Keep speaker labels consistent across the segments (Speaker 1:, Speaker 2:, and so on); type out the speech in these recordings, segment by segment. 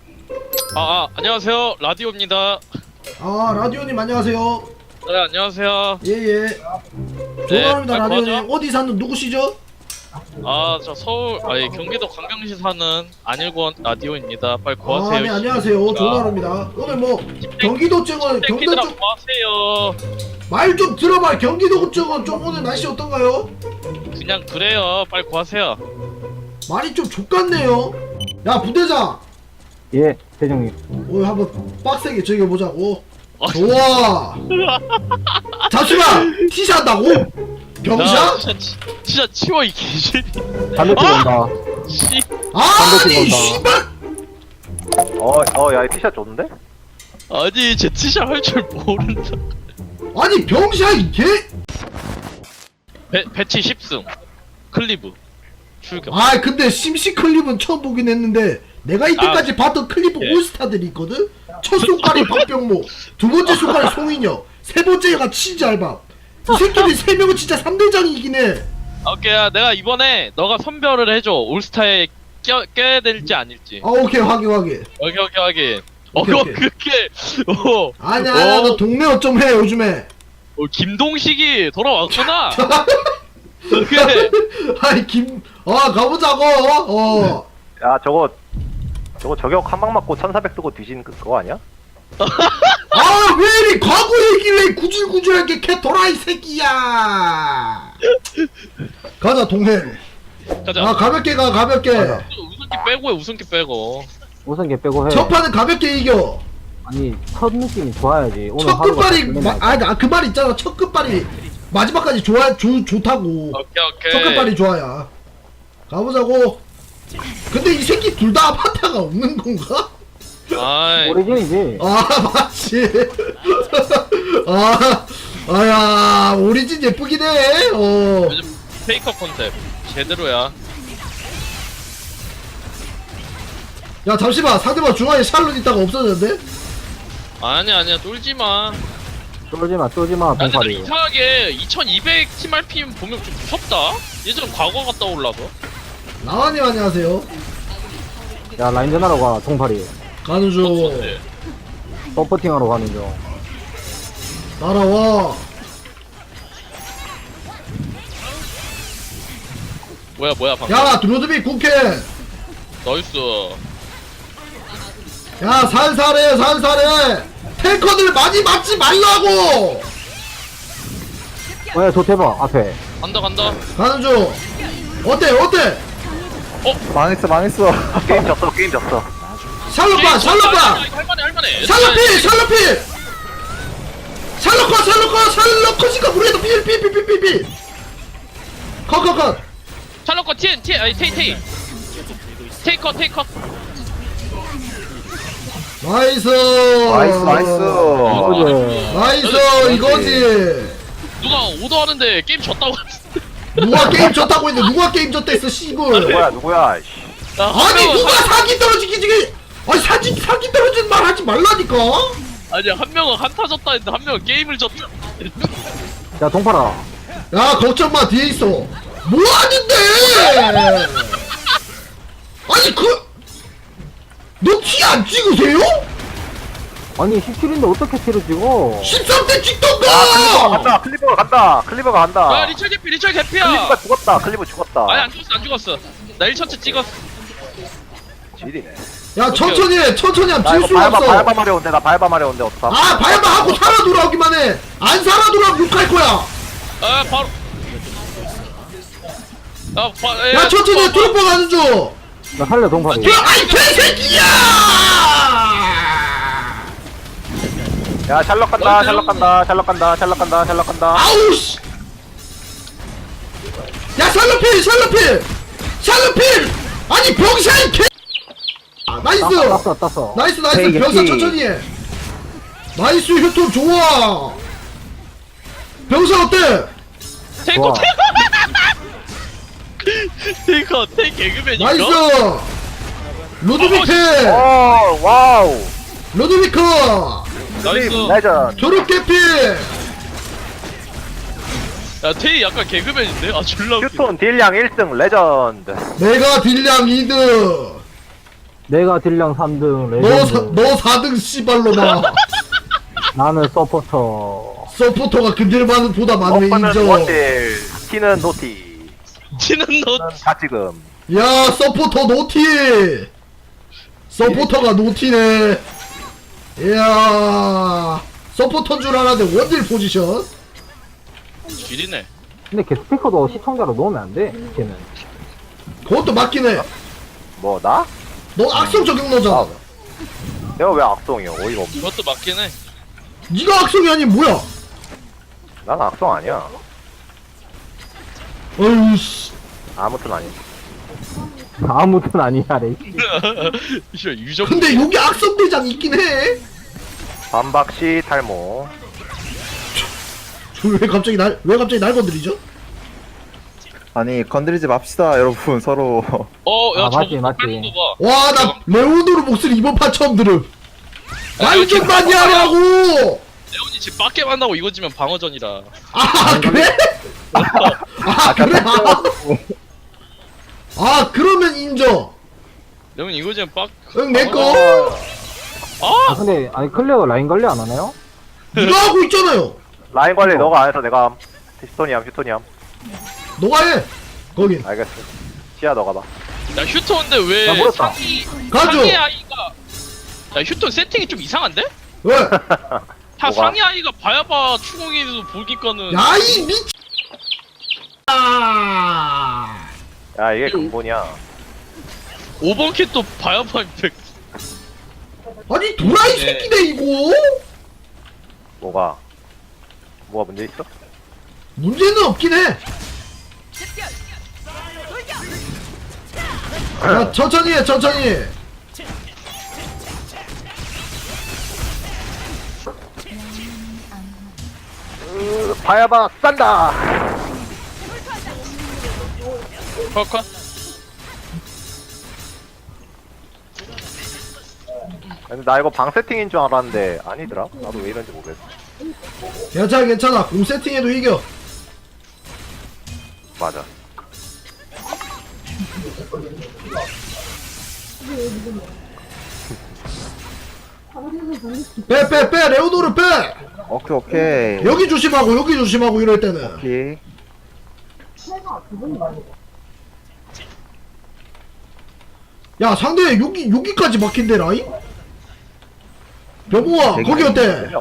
Speaker 1: 안녕하세요. 라디오입니다.
Speaker 2: 아, 라디오님 안녕하세요.
Speaker 1: 네, 안녕하세요.
Speaker 2: 예예.
Speaker 1: 네,
Speaker 2: 조만입니다.
Speaker 1: 아,
Speaker 2: 라디오님.
Speaker 1: 맞아?
Speaker 2: 어디 사는 누구시죠?
Speaker 1: 저 경기도 광명시 사는 안일권 라디오입니다. 빨리
Speaker 2: 아,
Speaker 1: 구하세요.
Speaker 2: 네 안녕하세요. 조만입니다. 오늘 뭐 경기도 쪽은 경도
Speaker 1: 새끼들아
Speaker 2: 쪽
Speaker 1: 구하세요.
Speaker 2: 말 좀 들어봐. 경기도 쪽은 좀 오늘 날씨 어떤가요?
Speaker 1: 그냥 그래요. 빨리 구하세요.
Speaker 2: 말이 좀 족같네요. 야 부대장,
Speaker 3: 예, 대장님.
Speaker 2: 오늘 한번 빡세게 즐겨보자고.
Speaker 1: 아,
Speaker 2: 좋아. 잠시만. 티샷한다고? 병샤?
Speaker 1: 진짜 치워 이 개새끼.
Speaker 3: 담배 피고 온다.
Speaker 1: 씨.
Speaker 2: 아니
Speaker 3: 건다.
Speaker 2: 씨발.
Speaker 4: 야, 이 티샷 좋은데?
Speaker 1: 아니 제 티샷 할 줄 모른다.
Speaker 2: 아니 병샤 이 개.
Speaker 1: 배치 10승. 클리브. 출격.
Speaker 2: 아 근데 심시 클립은 처음 보긴 했는데 내가 이때까지 봤던 클립
Speaker 1: 예.
Speaker 2: 올스타들이 있거든? 첫 손가락이 박병모, 두 번째 손가락이 송인혁, 세 번째가 치즈알밥. 이 새끼들 세 명은 진짜 3대장이긴 해.
Speaker 1: 오케이, 내가 이번에 너가 선별을 해줘. 올스타에 껴야 될지 아닐지.
Speaker 2: 아 오케이 확인.
Speaker 1: 오케이 확인.
Speaker 2: 오케이, 오케이.
Speaker 1: 그렇게.
Speaker 2: 아니야 너 동네 어쩜 해 요즘에.
Speaker 1: 김동식이 돌아왔구나. 오케이.
Speaker 2: 아니 가보자고.
Speaker 4: 야, 저거 저격 한 방 맞고 1400 뜨고 뒤진 그거 아니야?
Speaker 2: 아 왜 이리 과거 얘기를 해. 구질구질하게 개돌아 이 새끼야. 가자 동해.
Speaker 1: 가자.
Speaker 2: 아 가볍게 가 가볍게.
Speaker 1: 우승기 빼고 해. 우승기 빼고.
Speaker 3: 우선 걔 빼고 해.
Speaker 2: 첫 판은 가볍게 이겨.
Speaker 3: 아니, 첫 느낌이 좋아야지. 오늘
Speaker 2: 첫
Speaker 3: 하루가
Speaker 2: 끝발이
Speaker 3: 끝내놔야지.
Speaker 2: 그 말 있잖아. 첫 끝발이 마지막까지 좋다고.
Speaker 1: 오케이.
Speaker 2: 첫 끝발이 좋아야. 가보자고. 근데 이 새끼 둘 다 아바타가 없는 건가?
Speaker 1: 아이.
Speaker 3: 오리진이지.
Speaker 2: 아 맞지. 아야 오리진 예쁘긴 해.
Speaker 1: 요즘 페이커 컨셉 제대로야.
Speaker 2: 야 잠시만 상대방 중앙에 샬롯 있다가 없어졌는데?
Speaker 1: 아니야 쫄지 마.
Speaker 3: 쫄지마,
Speaker 1: 근데 나
Speaker 3: 봉파리.
Speaker 1: 이상하게 2200 TRPM 보면 좀 무섭다. 예전 과거 갔다 올라서.
Speaker 2: 나와님 안녕하세요.
Speaker 3: 야, 라인전 하러 가, 동파리.
Speaker 2: 가는 중.
Speaker 1: 어때?
Speaker 3: 서포팅 하러 가는 중.
Speaker 2: 날아와.
Speaker 1: 뭐야 방금.
Speaker 2: 야 드로드비 국회.
Speaker 1: 나이스.
Speaker 2: 야 살살해. 탱커들 많이 맞지 말라고.
Speaker 3: 야, 저 대박, 앞에.
Speaker 1: 간다.
Speaker 2: 가는 중. 어때?
Speaker 4: 망했어. 게임 졌어.
Speaker 2: 샬롯 봐.
Speaker 1: 할만해.
Speaker 2: 샬롯필. 샬롯 컷이니까 우리도 필. 컷.
Speaker 1: 샬롯과 테이. 테이커.
Speaker 2: 나이스. 나이스 이거지.
Speaker 1: 누가 오더하는데 게임 졌다고.
Speaker 2: 누가 게임 졌다고 했는데 누가 게임 졌다 했어 시골.
Speaker 4: 누구야? 씨.
Speaker 2: 아니 누가 사기 떨어지기 지금. 아니 사기 떨어지는 말 하지 말라니까.
Speaker 1: 아니 한 명은 한타 졌다 했는데 한 명은 게임을 졌다.
Speaker 3: 야, 동파라.
Speaker 2: 야 걱정 마 뒤에 있어. 뭐 하는데? 아니 너 티 안 찍으세요?
Speaker 3: 아니, 17인데 어떻게 티를 찍어?
Speaker 2: 13대 찍던가.
Speaker 4: 클리버가 간다.
Speaker 1: 야 리철 개피야.
Speaker 4: 클리버가 죽었다. 클리버 죽었다.
Speaker 1: 아니 안 죽었어. 나 1차트 찍었어.
Speaker 4: 지리네.
Speaker 2: 야 천천히 하면
Speaker 4: 나
Speaker 2: 질
Speaker 4: 이거
Speaker 2: 수가 없어.
Speaker 4: 바이바 마려운데 어떡하?
Speaker 2: 아 바야바 하고 살아 돌아오기만 해. 안 살아 돌아오면 욕할 거야.
Speaker 1: 바로.
Speaker 2: 야 천천히 트로퍼 가는 중.
Speaker 3: 나 살려, 동파리.
Speaker 2: 아이 개새끼야.
Speaker 4: 야, 샬럿 간다.
Speaker 2: 아우 씨. 야 샬롯필. 아니 병샤이 개. 나이스.
Speaker 3: 땄어.
Speaker 2: 나이스
Speaker 3: 헤이,
Speaker 2: 병사
Speaker 3: 헤이.
Speaker 2: 천천히 해. 나이스 휴톤 좋아. 병사 어때?
Speaker 1: 테이커.
Speaker 3: 좋아.
Speaker 1: 테이커 개그맨이니까.
Speaker 2: 나이스. 루드비크.
Speaker 4: 와우.
Speaker 2: 루드비크.
Speaker 1: 나이스.
Speaker 4: 레전.
Speaker 2: 졸업 개피.
Speaker 1: 야 테이 약간 개그맨인데? 졸라 웃기네.
Speaker 4: 휴톤 딜량 1등 레전드.
Speaker 2: 내가 딜량 2등.
Speaker 3: 내가 딜량 3등 레전드.
Speaker 2: 너 4등 씨발로마.
Speaker 3: 나는 서포터.
Speaker 2: 서포터가 근딜만 보다 많으면
Speaker 4: 버프는
Speaker 2: 인정.
Speaker 4: 원딜, 티는 노티,
Speaker 1: 치는 너
Speaker 4: 가지금.
Speaker 2: 야 서포터 노티. 서포터가 노티네. 이야 서포터인 줄 알았는데 원딜 포지션.
Speaker 1: 길이네.
Speaker 3: 근데 걔 스피커도 시청자로 넣으면 안 돼, 걔는.
Speaker 2: 그것도 맞긴 해.
Speaker 4: 뭐 나?
Speaker 2: 너 악성 적용너잖아.
Speaker 4: 내가 왜 악성이야? 어이가 없네.
Speaker 1: 그것도 맞긴 해.
Speaker 2: 네가 악성이 아닌 뭐야?
Speaker 4: 난 악성 아니야.
Speaker 2: 어휴 씨.
Speaker 4: 아무튼 아니.
Speaker 3: 아무튼 아니야, 레이.
Speaker 1: 이거 유적.
Speaker 2: 근데 여기 악성 대장 있긴 해.
Speaker 4: 반박시 탈모.
Speaker 2: 왜 갑자기 날 건드리죠?
Speaker 5: 아니 건드리지 맙시다 여러분 서로.
Speaker 1: 야
Speaker 3: 아, 맞지,
Speaker 1: 저거
Speaker 3: 맞지.
Speaker 1: 하는 거 봐.
Speaker 2: 와 나 레오노르 목소리 이번 판 처음 들음. 말
Speaker 1: 이렇게
Speaker 2: 좀 많이 하라고.
Speaker 1: 레온이 지금 빡게 만나고 이거 지면 방어전이라.
Speaker 2: 아 그래? 아 그래? 아 그러면 인정.
Speaker 1: 레온이 이거 지면 빡.
Speaker 2: 응 내꺼.
Speaker 3: 아, 근데, 아니, 클레어 라인 관리 안 하나요?
Speaker 2: 네가 하고 있잖아요.
Speaker 4: 라인 관리 너가 안 해서 내가 함. 휴토니함.
Speaker 2: 너가 해. 거긴.
Speaker 4: 알겠어. 시야 너가 봐.
Speaker 1: 야 휴톤인데 왜
Speaker 3: 나 물었다.
Speaker 2: 가죠.
Speaker 1: 상위 아이가. 야 휴톤 세팅이 좀 이상한데?
Speaker 2: 왜?
Speaker 1: 다
Speaker 4: 뭐가?
Speaker 1: 상위 아이가 봐야봐 추궁이도 보니까는.
Speaker 2: 야이 미. 아.
Speaker 4: 야 이게 근본이야.
Speaker 1: 5번 킷도 봐야봐 임팩.
Speaker 2: 아니 도라이
Speaker 1: 네.
Speaker 2: 새끼네 이거.
Speaker 4: 뭐가 문제 있어?
Speaker 2: 문제는 없긴 해. 야 천천히 해 천천히.
Speaker 4: 봐야봐 싼다.
Speaker 1: 컷컷.
Speaker 4: 근데 나 이거 방 세팅인 줄 알았는데 아니더라. 나도 왜 이런지 모르겠어.
Speaker 2: 괜찮아 공 세팅해도 이겨.
Speaker 4: 맞아.
Speaker 2: 빼 레오노르 빼.
Speaker 5: 오케이.
Speaker 2: 여기 조심하고 이럴 때는.
Speaker 5: 오케이.
Speaker 2: 야 상대 여기까지 막힌대 라인? 여보아 거기 어때?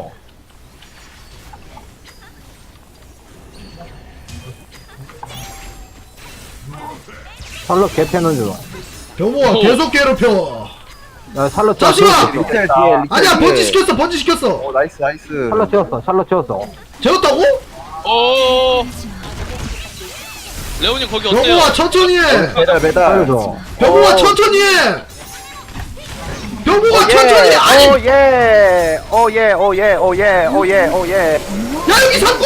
Speaker 3: 샬럿 개패는 중.
Speaker 2: 여보아 계속 괴롭혀.
Speaker 3: 야, 샬럿
Speaker 2: 자식아!
Speaker 3: 지었어.
Speaker 5: 리텔 뒤에 리텔
Speaker 2: 아니야
Speaker 5: 뒤에.
Speaker 2: 번지 시켰어.
Speaker 5: 오 나이스.
Speaker 3: 샬럿 지었어, 샬럿 지었어.
Speaker 2: 재웠다고?
Speaker 1: 오. 레온이 거기 어때요?
Speaker 2: 여보아 천천히 해.
Speaker 5: 배달.
Speaker 3: 살려줘.
Speaker 2: 여보아 천천히 해. 여보아 천천히 해. 아니
Speaker 4: 오예.
Speaker 2: 야 여기 상구.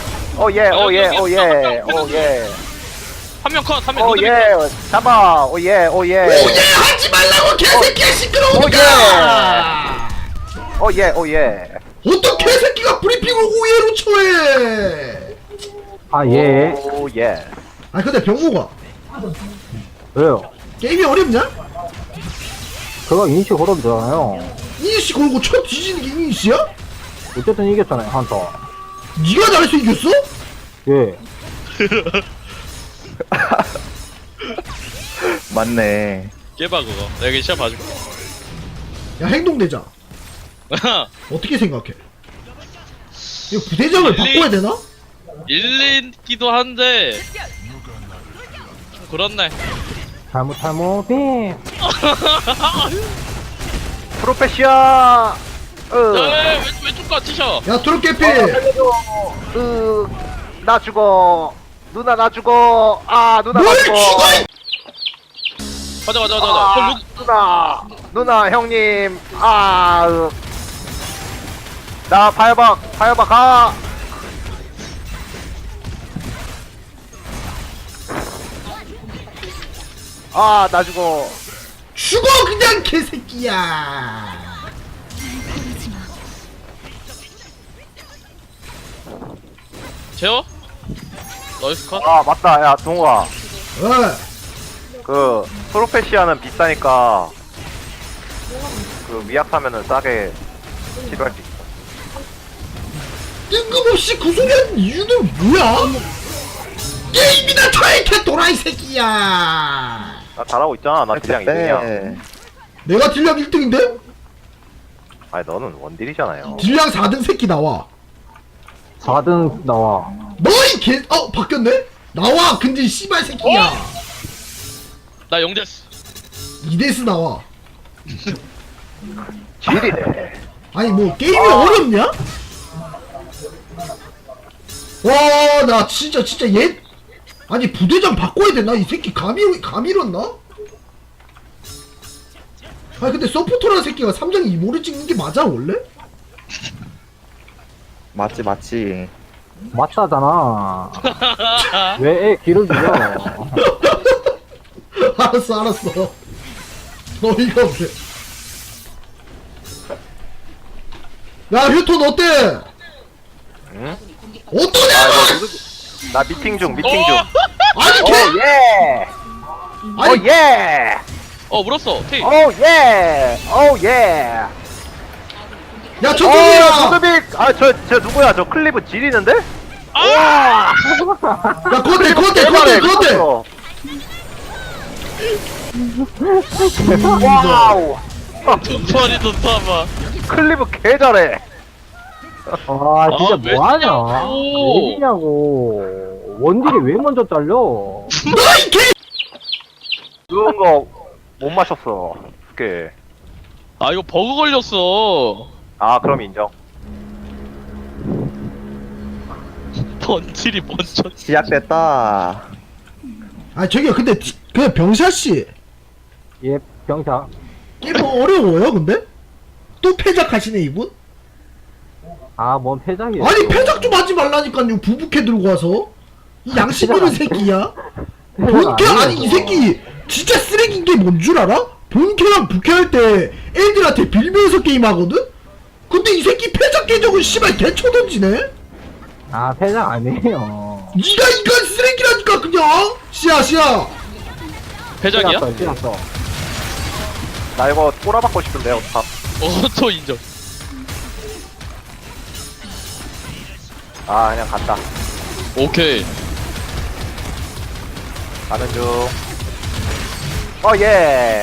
Speaker 4: 오예.
Speaker 1: 한명 컷, 한명
Speaker 4: 오예. 잡아. 오예.
Speaker 2: 오예 하지 말라고 개새끼야 시끄러우니까.
Speaker 4: 오예.
Speaker 2: 어떤 개새끼가 브리핑을 오예로 처해.
Speaker 3: 아, 예.
Speaker 4: 오예.
Speaker 2: 아 근데 병모가
Speaker 3: 왜요?
Speaker 2: 게임이 어렵냐?
Speaker 3: 그거 인식 걸어주잖아요.
Speaker 2: 이니씨 걸고 쳐 뒤지는 게 이니씨야?
Speaker 3: 어쨌든 이겼잖아요, 한터.
Speaker 2: 니가 잘해서 이겼어?
Speaker 3: 예.
Speaker 5: 맞네.
Speaker 1: 깨봐 그거. 내가 이거 시합 봐줄게.
Speaker 2: 야 행동대장 어떻게 생각해? 이거 부대장을 바꿔야 되나?
Speaker 1: 일리기도 한데 좀 그렇네.
Speaker 3: 잘못, 빔.
Speaker 4: 프로페시아.
Speaker 1: 왼쪽 가 티셔.
Speaker 2: 야 트롯캐피
Speaker 4: 나 죽어. 누나 나 죽어. 누나
Speaker 2: 뭘
Speaker 4: 나
Speaker 2: 죽어
Speaker 4: 죽어.
Speaker 1: 가자.
Speaker 4: 누나 형님. 나 파이박 가. 나 죽어.
Speaker 2: 죽어 그냥 개새끼야.
Speaker 1: 재워? 너이스 컷?
Speaker 4: 맞다. 야, 동우아.
Speaker 2: 왜?
Speaker 4: 그 프로페시아는 비싸니까 그 위약 사면은 싸게 치료할 수 있어.
Speaker 2: 뜬금없이 그 소리 하는 이유는 뭐야? 게임이나 타이켓 도라이 새끼야.
Speaker 4: 나 잘하고 있잖아. 나 딜량 2등이야.
Speaker 5: 네.
Speaker 2: 내가 딜량 1등인데?
Speaker 4: 아니 너는 원딜이잖아요.
Speaker 2: 딜량 4등 새끼 나와.
Speaker 3: 4등 나와.
Speaker 2: 너희 개, 바뀌었네? 나와, 근데 씨발 새끼야.
Speaker 1: 나 영대스.
Speaker 2: 이데스 나와.
Speaker 4: 지리네.
Speaker 2: 아니, 뭐, 게임이 어렵냐? 와, 나 진짜 얘. 아니, 부대장 바꿔야 되나? 이 새끼 감이 잃었나? 아니, 근데 서포터라는 새끼가 3장 이모를 찍는 게 맞아, 원래?
Speaker 5: 맞지 맞지.
Speaker 3: 맞다잖아. 왜 애 길을 죽여?
Speaker 2: 알았어. 어이가 없네. 야, 휴톤 어때?
Speaker 4: 응?
Speaker 2: 어떠냐?
Speaker 4: 아 이거 나 미팅 중.
Speaker 2: 아니,
Speaker 4: 오
Speaker 2: 개!
Speaker 4: 예.
Speaker 2: 아니,
Speaker 4: 오 예.
Speaker 1: 물었어. 테이.
Speaker 4: 오 예. 오 예.
Speaker 2: 야, 저쪽이야!
Speaker 4: 조드빅. 저 누구야? 저 클리브 지리는데?
Speaker 2: 야, 그건데!
Speaker 4: 와우.
Speaker 1: 소리 좋다마.
Speaker 4: 클리브 개 잘해.
Speaker 3: 아, 진짜
Speaker 1: 왜
Speaker 3: 뭐하냐?
Speaker 1: 쓰냐고.
Speaker 3: 왜 이냐고. 원딜이 왜 먼저 잘려?
Speaker 2: 너이 개!
Speaker 4: 누운 거 못 마셨어. 그.
Speaker 1: 아 이거 버그 걸렸어.
Speaker 4: 아 그럼 인정.
Speaker 1: 번질이 먼저.
Speaker 5: 시작됐다.
Speaker 2: 아, 저기요, 근데, 그냥 병샤씨.
Speaker 3: 예, 병사.
Speaker 2: 게임 어려워요, 근데? 또 패작하시네, 이분?
Speaker 3: 아, 뭔 패작이야.
Speaker 2: 아니, 패작 좀 하지 말라니까요, 부부캐 들고 와서. 이 양심 있는 새끼야? 본캐, 아니, 이 새끼, 진짜 쓰레기인 게 뭔 줄 알아? 본캐랑 부캐할 때 애들한테 빌면서 게임하거든? 근데 이 새끼 패작 계정은 씨발 개쳐던지네?
Speaker 3: 아, 패작 아니에요.
Speaker 2: 니가 이건 쓰레기라니까, 그냥! 씨야.
Speaker 1: 배작이야?
Speaker 3: 찔렀어.
Speaker 4: 나 이거 꼬라박고 싶은데 어떡함.
Speaker 1: 또 인정.
Speaker 4: 아 그냥 간다.
Speaker 1: 오케이.
Speaker 4: 가는 중. 예.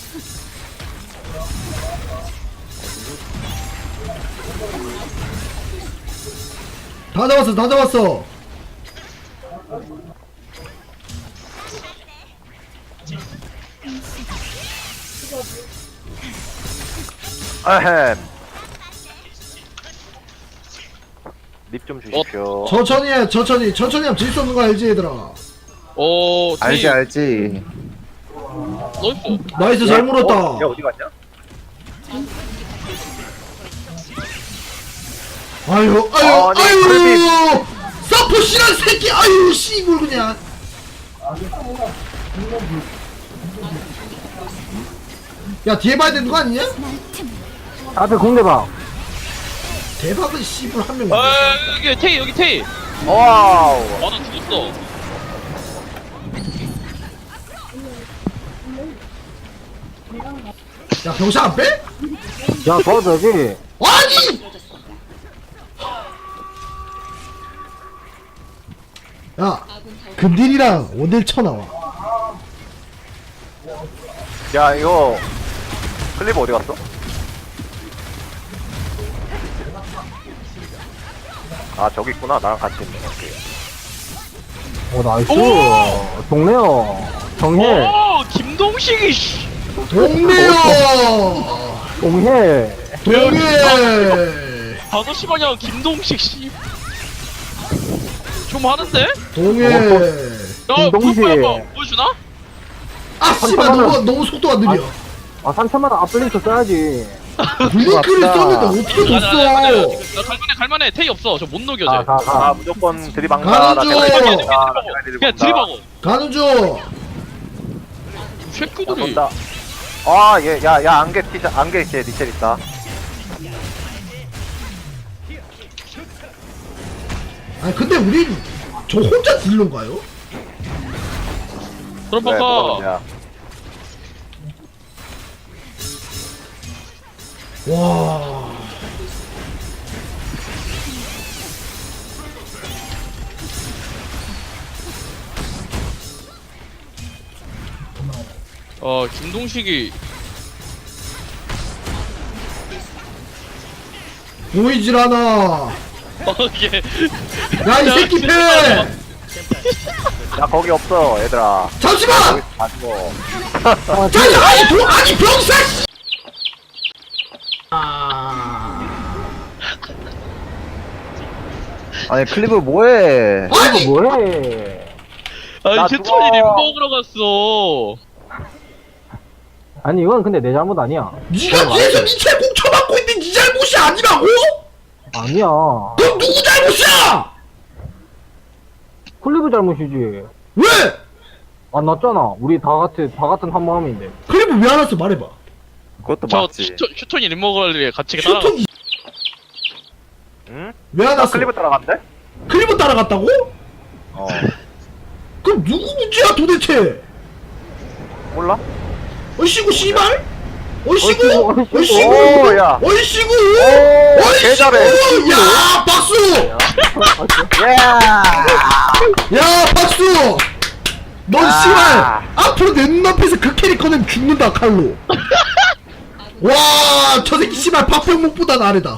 Speaker 2: 다 잡았어.
Speaker 4: 아헴. 립 좀 주십시오.
Speaker 2: 천천히 하면 질 수 없는 거 알지, 얘들아?
Speaker 1: 오. 테이.
Speaker 5: 알지.
Speaker 1: 나이스.
Speaker 2: 나이스, 잘 물었다.
Speaker 4: 얘 어디 갔냐?
Speaker 2: 아유,
Speaker 4: 아니,
Speaker 2: 서포 씨란 새끼, 아유, 씨발, 그냥. 야, 뒤에 봐야 되는 거 아니냐?
Speaker 3: 앞에 공대방.
Speaker 2: 대박은 씨발 한 명.
Speaker 1: 아 여기 테이 여기 테이.
Speaker 4: 와우.
Speaker 1: 아나 죽었어.
Speaker 2: 야, 병사 안 빼?
Speaker 3: 야, 도와줘야지.
Speaker 2: 아니! 야, 근딜이랑 원딜 쳐나와.
Speaker 4: 야 이거 클리브 어디 갔어? 아 저기 있구나. 나랑 같이 있네. 오케이.
Speaker 3: 오, 나이스.
Speaker 1: 오!
Speaker 3: 동네요. 정해.
Speaker 1: 오 김동식이 씨.
Speaker 2: 동네요!
Speaker 3: 동해.
Speaker 2: 동해!
Speaker 1: 5시 방향 김동식 씨. 좀 하는데?
Speaker 2: 동해!
Speaker 1: 야
Speaker 3: 김동식.
Speaker 1: 불 보여주나?
Speaker 2: 아, 씨발, 너무 속도가 느려.
Speaker 3: 아, 3천만원 앞블링크 써야지.
Speaker 2: 블링크를
Speaker 3: 맞다.
Speaker 2: 썼는데 어떻게 줬어?
Speaker 1: 나 갈만해 테이 없어. 저 못 녹여
Speaker 3: 가,
Speaker 1: 쟤.
Speaker 3: 가, 가.
Speaker 4: 아 무조건 들이박나.
Speaker 2: 가는
Speaker 4: 나
Speaker 2: 중!
Speaker 4: 대가리
Speaker 1: 그냥
Speaker 4: 들이박는다. 나 대가리
Speaker 1: 그냥
Speaker 4: 들이박는다.
Speaker 1: 들이박어.
Speaker 2: 가는 중!
Speaker 4: 야,
Speaker 1: 쉐크들이.
Speaker 4: 쏜다. 아, 야, 안개 티셔, 안개 제 리첼 있다.
Speaker 2: 아니, 근데 우린 저 혼자 딜러인가요?
Speaker 1: 그럼
Speaker 4: 왜, 뭐가
Speaker 1: 봐봐.
Speaker 4: 문제야?
Speaker 2: 와.
Speaker 1: 김동식이
Speaker 2: 보이질 않아.
Speaker 1: 이게
Speaker 2: 야, 이 새끼 패!
Speaker 4: 야 거기 없어 얘들아.
Speaker 2: 잠시만!
Speaker 4: 다 죽어.
Speaker 2: 잠시만! 아니, 병사! 씨! 아.
Speaker 5: 아니 클리브 뭐해?
Speaker 2: 아니!
Speaker 3: 이거 뭐해?
Speaker 1: 아니
Speaker 4: 나
Speaker 1: 휴톤이
Speaker 4: 죽어.
Speaker 1: 림 먹으러 갔어.
Speaker 3: 아니 이건 근데 내 잘못 아니야.
Speaker 2: 니가 뒤에서 니 채공 쳐맞고 있는 니 잘못이 아니라고?
Speaker 3: 아니야.
Speaker 2: 그럼 누구 잘못이야?
Speaker 3: 클리브 잘못이지.
Speaker 2: 왜?
Speaker 3: 안 났잖아. 우리 다 같은 한 마음인데.
Speaker 2: 클리브 왜 안 왔어? 말해봐.
Speaker 5: 그것도
Speaker 1: 저
Speaker 5: 맞지.
Speaker 1: 휴톤이 림 먹으러 같이 따라.
Speaker 2: 휴톤 이
Speaker 4: 응?
Speaker 2: 왜 안
Speaker 4: 나
Speaker 2: 왔어?
Speaker 4: 클리브 따라간대?
Speaker 2: 클리브 따라갔다고?
Speaker 4: 어.
Speaker 2: 그럼 누구 문제야 도대체?
Speaker 4: 몰라?
Speaker 2: 어이씨구 씨발? 어이씨구?
Speaker 3: 어이씨구,
Speaker 2: 어이씨구?
Speaker 4: 오, 야.
Speaker 2: 어이씨구?
Speaker 4: 오, 개 잘해.
Speaker 2: 야 박수!
Speaker 4: 예.
Speaker 2: 야 박수! 넌
Speaker 4: 야.
Speaker 2: 씨발 앞으로 내 눈앞에서 그 캐릭터는 죽는다 칼로. 와, 저 새끼 씨발 박병목보다 아래다.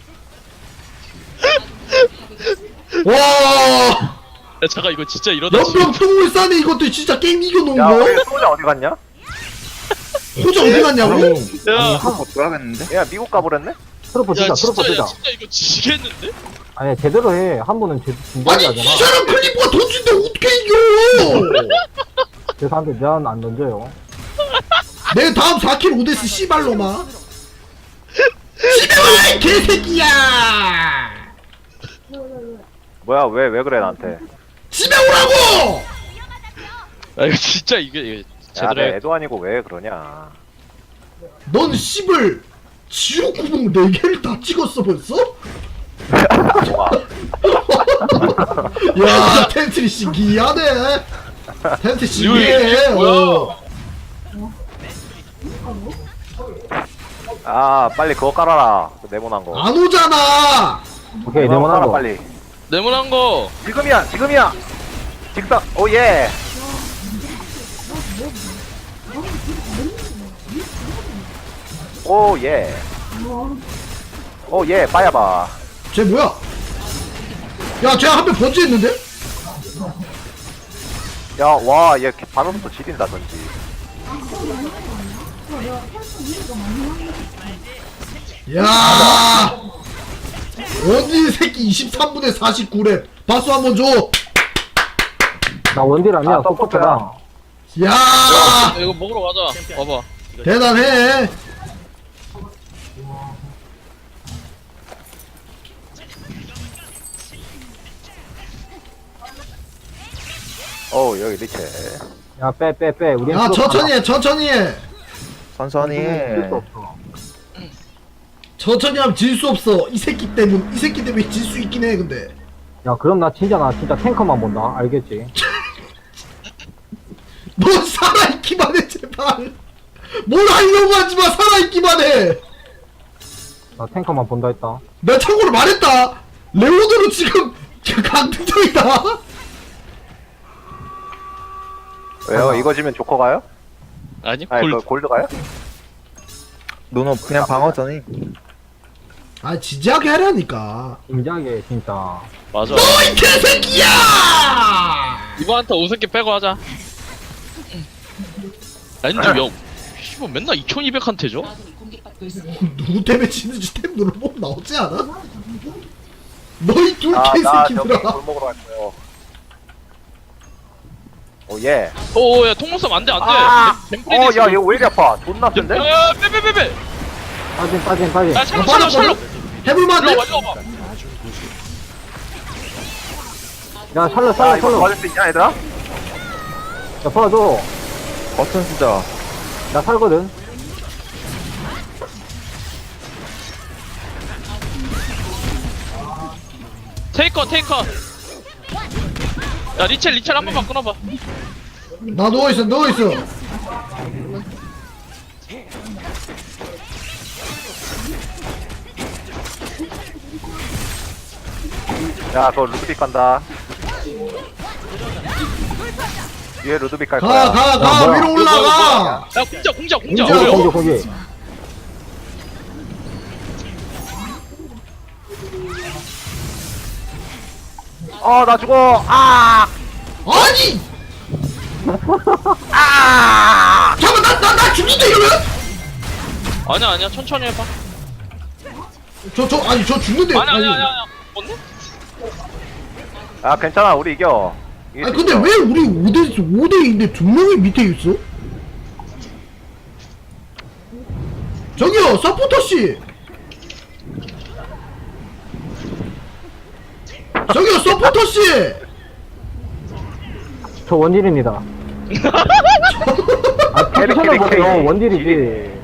Speaker 2: 와,
Speaker 1: 야 잠깐 이거 진짜 이러다
Speaker 2: 연병 평물산에 이것도 진짜 게임 이겨놓은
Speaker 4: 야 우리
Speaker 2: 거?
Speaker 4: 소자 어디 갔냐?
Speaker 2: 호자 어디 갔냐고?
Speaker 1: 야,
Speaker 5: 한번 돌아가겠는데?
Speaker 4: 얘 미국 가버렸네?
Speaker 3: 트로퍼
Speaker 1: 야
Speaker 3: 뜨자. 트로퍼
Speaker 1: 진짜
Speaker 3: 뜨자.
Speaker 1: 야 진짜 이거 지겠는데?
Speaker 3: 아니 제대로 해. 한 번은 진지하게
Speaker 2: 아니
Speaker 3: 하잖아.
Speaker 2: 이 사람 클리프가 던진데 어떻게 이겨?
Speaker 3: 죄송한데 난 안 던져요.
Speaker 2: 내 다음 4킬 오데스 씨발로마. 집에 와, 이 개새끼야!
Speaker 4: 뭐야 왜 그래 나한테?
Speaker 2: 집에 오라고!
Speaker 1: 아 이거 진짜 이게
Speaker 4: 야
Speaker 1: 제대로
Speaker 4: 내
Speaker 1: 해.
Speaker 4: 애도 아니고 왜 그러냐?
Speaker 2: 넌 씨발 지옥 구멍 4개를 다 찍었어 벌써?
Speaker 4: 뭐가?
Speaker 2: 야, 텐트리 신기하네. 텐트 신기해.
Speaker 1: 이거 뭐야?
Speaker 4: 아 빨리 그거 깔아라. 그 네모난 거.
Speaker 2: 안 오잖아.
Speaker 3: 오케이
Speaker 4: 그거
Speaker 3: 네모난
Speaker 4: 깔아
Speaker 3: 거.
Speaker 4: 빨리.
Speaker 1: 네모난 거.
Speaker 4: 지금이야. 직선. 오 예. 오 예. 오 예. 빠야봐.
Speaker 2: 쟤 뭐야? 야, 쟤 한 명 번지했는데?
Speaker 4: 야 와 얘 반응부터 지린다 전지.
Speaker 2: 야, 원딜 새끼 23분에 49렙. 박수 한번 줘.
Speaker 3: 나 원딜 아니야.
Speaker 4: 아,
Speaker 3: 서포터다.
Speaker 2: 야,
Speaker 1: 이거 먹으러 가자. 와봐.
Speaker 2: 대단해.
Speaker 4: 오 여기 리체.
Speaker 3: 야 빼. 우리
Speaker 2: 야, 천천히 해, 천천히 해.
Speaker 5: 천천히 해.
Speaker 2: 천천히 하면 질 수 없어. 이 새끼 때문에 질 수 있긴 해, 근데.
Speaker 3: 야 그럼 나 진짜 탱커만 본다. 알겠지?
Speaker 2: 너 살아있기만 해, 제발. 뭘 하려고 하지 마, 살아있기만 해.
Speaker 3: 나 탱커만 본다 했다.
Speaker 2: 내가 참고로 말했다. 레오드로 지금 강등적이다.
Speaker 4: 왜요? 이거 지면 조커 가요?
Speaker 1: 아니
Speaker 4: 아니
Speaker 1: 골.
Speaker 4: 그 골드 가요?
Speaker 5: 너는 그냥 방어전이.
Speaker 2: 아, 진지하게 하라니까.
Speaker 3: 진지하게 진짜.
Speaker 1: 맞아.
Speaker 2: 너이 개새끼야!
Speaker 1: 이번 한타 5새끼 빼고 하자. 아니 근데 야, 씨발 맨날 2200한테 줘?
Speaker 2: 누구 때문에 지는지 탭 눌러보면 나오지 않아? 너희 둘
Speaker 4: 나 저기
Speaker 2: 개새끼들아.
Speaker 4: 골 먹으러 갈 거예요. 오 예.
Speaker 1: 오야 통문섬 안돼 안돼.
Speaker 4: 야 이거 왜 이렇게 아파? 존나 센데?
Speaker 1: 야 빼빼빼빼.
Speaker 3: 빠진.
Speaker 1: 야 샬롯.
Speaker 2: 해볼만한데?
Speaker 1: 일로 와봐.
Speaker 3: 야 샬럿.
Speaker 4: 야 이거 도와줄 수 있냐 얘들아?
Speaker 3: 야 도와줘.
Speaker 5: 버튼 쓰자.
Speaker 3: 나 살거든.
Speaker 1: 테이커. 야 리첼 한 번만 끊어봐.
Speaker 2: 나 누워있어.
Speaker 4: 야, 그거 루드빅 간다. 위에 루드빅 갈
Speaker 2: 가
Speaker 4: 거야.
Speaker 2: 가 가
Speaker 3: 뭐야?
Speaker 2: 위로 올라가.
Speaker 1: 야 공작
Speaker 2: 공작.
Speaker 3: 거기,
Speaker 1: 어려워.
Speaker 3: 거기.
Speaker 4: 나 죽어. 아!
Speaker 2: 아니. 아. 잠깐 나 죽는데 이러면?
Speaker 1: 아니야 천천히 해봐.
Speaker 2: 아니 저 죽는데.
Speaker 1: 아니야 뭔데?
Speaker 4: 아, 괜찮아. 우리 이겨.
Speaker 2: 아니 근데 왜 우리 5대2인데 2명이 밑에 있어? 저기요 서포터씨. 저기요 서포터씨.
Speaker 3: 저 원딜입니다. 아, 포지션을 보세요. 원딜이지.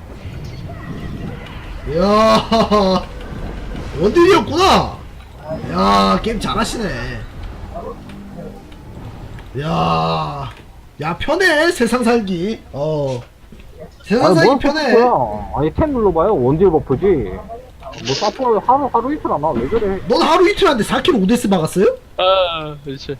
Speaker 2: 이야 원딜이었구나. 야 게임 잘하시네. 야 편해 세상 살기. 세상
Speaker 3: 아니,
Speaker 2: 살기
Speaker 3: 뭘
Speaker 2: 편해.
Speaker 3: 버프야. 아니, 템 눌러봐요. 원딜 버프지. 뭐, 사포 하루 이틀 안 와. 왜 그래?
Speaker 2: 넌 하루 이틀 한데 4kg 오데스 박았어요?
Speaker 1: 아 그렇지.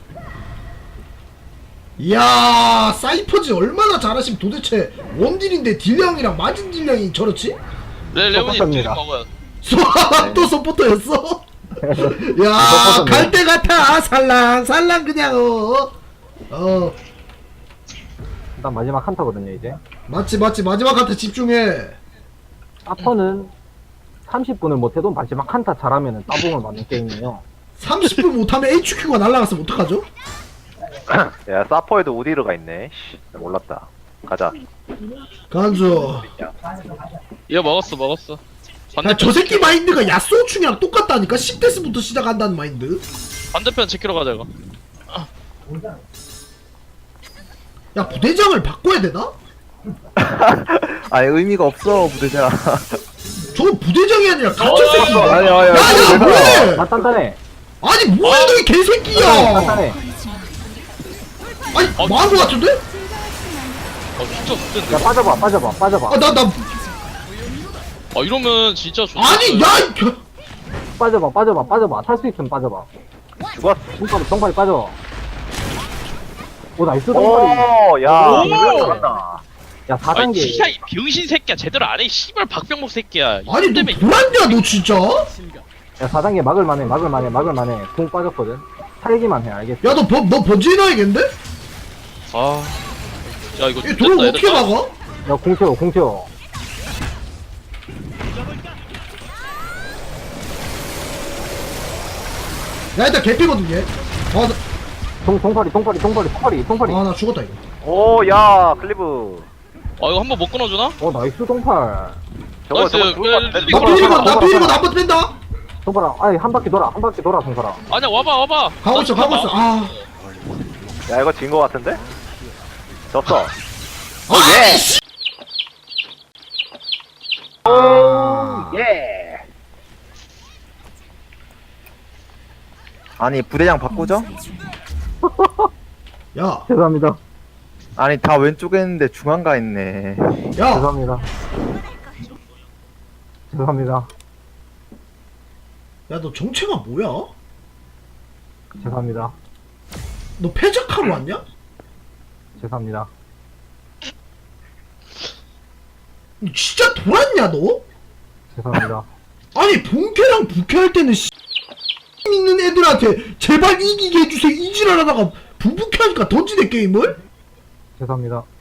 Speaker 2: 이야 사이퍼즈 얼마나 잘하시면 도대체 원딜인데 딜량이랑 맞은 딜량이 저렇지?
Speaker 1: 레몬이
Speaker 3: 똑같습니다.
Speaker 1: 뒤 먹어요.
Speaker 2: 또 서포터였어? 야
Speaker 3: 서포터네.
Speaker 2: 갈 때 같아 살랑 그냥
Speaker 3: 일단 마지막 한타거든요, 이제.
Speaker 2: 맞지 마지막 한테 집중해.
Speaker 3: 사퍼는 30분을 못해도 마지막 한타 잘하면 따봉을 맞는 게임이에요.
Speaker 2: 30분 못하면 HQ가 날라갔으면 어떡하죠?
Speaker 4: 야, 사퍼에도 우디르가 있네. 씨, 몰랐다. 가자.
Speaker 2: 간주.
Speaker 1: 이거 먹었어.
Speaker 2: 야, 저 새끼 마인드가 야쏘충이랑 똑같다니까. 10데스부터 시작한다는 마인드.
Speaker 1: 반대편 지키러 가자 이거.
Speaker 2: 야 부대장을 바꿔야 되나?
Speaker 5: 아니 의미가 없어 부대장.
Speaker 2: 저거 부대장이 아니라 갇혀 새끼.
Speaker 5: 아니야
Speaker 2: 야야 뭐해?
Speaker 3: 나 단단해.
Speaker 2: 아니 뭐야 너이 개새끼야.
Speaker 3: 단단해.
Speaker 2: 아니 망한 거 같은데?
Speaker 1: 진짜 좋던데.
Speaker 3: 야, 빠져봐.
Speaker 2: 나
Speaker 1: 이러면 진짜 좋다.
Speaker 2: 아니 야 이
Speaker 3: 빠져봐. 탈 수 있으면 빠져봐.
Speaker 4: 죽었어.
Speaker 3: 동팔이 빠져. 오, 나이스 동팔이.
Speaker 4: 오, 야.
Speaker 1: 오!
Speaker 4: 잘한다.
Speaker 3: 야,
Speaker 1: 아니
Speaker 3: 4단계.
Speaker 1: 진짜 이 병신 새끼야 제대로 안 해. 씨발 박병목 새끼야.
Speaker 2: 아니 너 불안냐 너 진짜?
Speaker 3: 야, 4단계 막을만해. 궁 빠졌거든. 살기만 해, 알겠어?
Speaker 2: 야 너 번지 해놔야겠는데?
Speaker 1: 아. 야 이거
Speaker 2: 얘 도로
Speaker 1: 좋겠다,
Speaker 2: 어떻게
Speaker 1: 얘들아.
Speaker 2: 막아?
Speaker 3: 야, 궁 채워.
Speaker 2: 야 일단 개피거든 얘.
Speaker 3: 동팔이.
Speaker 2: 아나 죽었다 이거.
Speaker 4: 오, 야, 클리브.
Speaker 1: 이거 한번 못 끊어주나?
Speaker 3: 나이스 동팔.
Speaker 4: 저거
Speaker 1: 나이스.
Speaker 4: 죽을 것 같은데?
Speaker 1: 이거
Speaker 2: 나 피리고 나 한번 뺀다.
Speaker 3: 동팔아, 아니, 한 바퀴 돌아, 동팔아.
Speaker 1: 아니야 와봐.
Speaker 2: 가고 있어. 아.
Speaker 4: 야, 이거 진 것 같은데? 졌어.
Speaker 2: 아니 씨.
Speaker 4: 예.
Speaker 5: 아니 부대장 바꾸죠?
Speaker 2: 야.
Speaker 3: 죄송합니다.
Speaker 5: 아니 다 왼쪽에 있는데 중앙가 있네.
Speaker 2: 야.
Speaker 3: 죄송합니다.
Speaker 2: 야 너 정체가 뭐야?
Speaker 3: 죄송합니다.
Speaker 2: 너 패작하러 왔냐?
Speaker 3: 죄송합니다.
Speaker 2: 너 진짜 돌았냐 너?
Speaker 3: 죄송합니다.
Speaker 2: 아니 본캐랑 부캐할 때는 씨 있는 애들한테 제발 이기게 해주세요 이지랄하다가 부부캐하니까 던지네 게임을?
Speaker 3: 죄송합니다.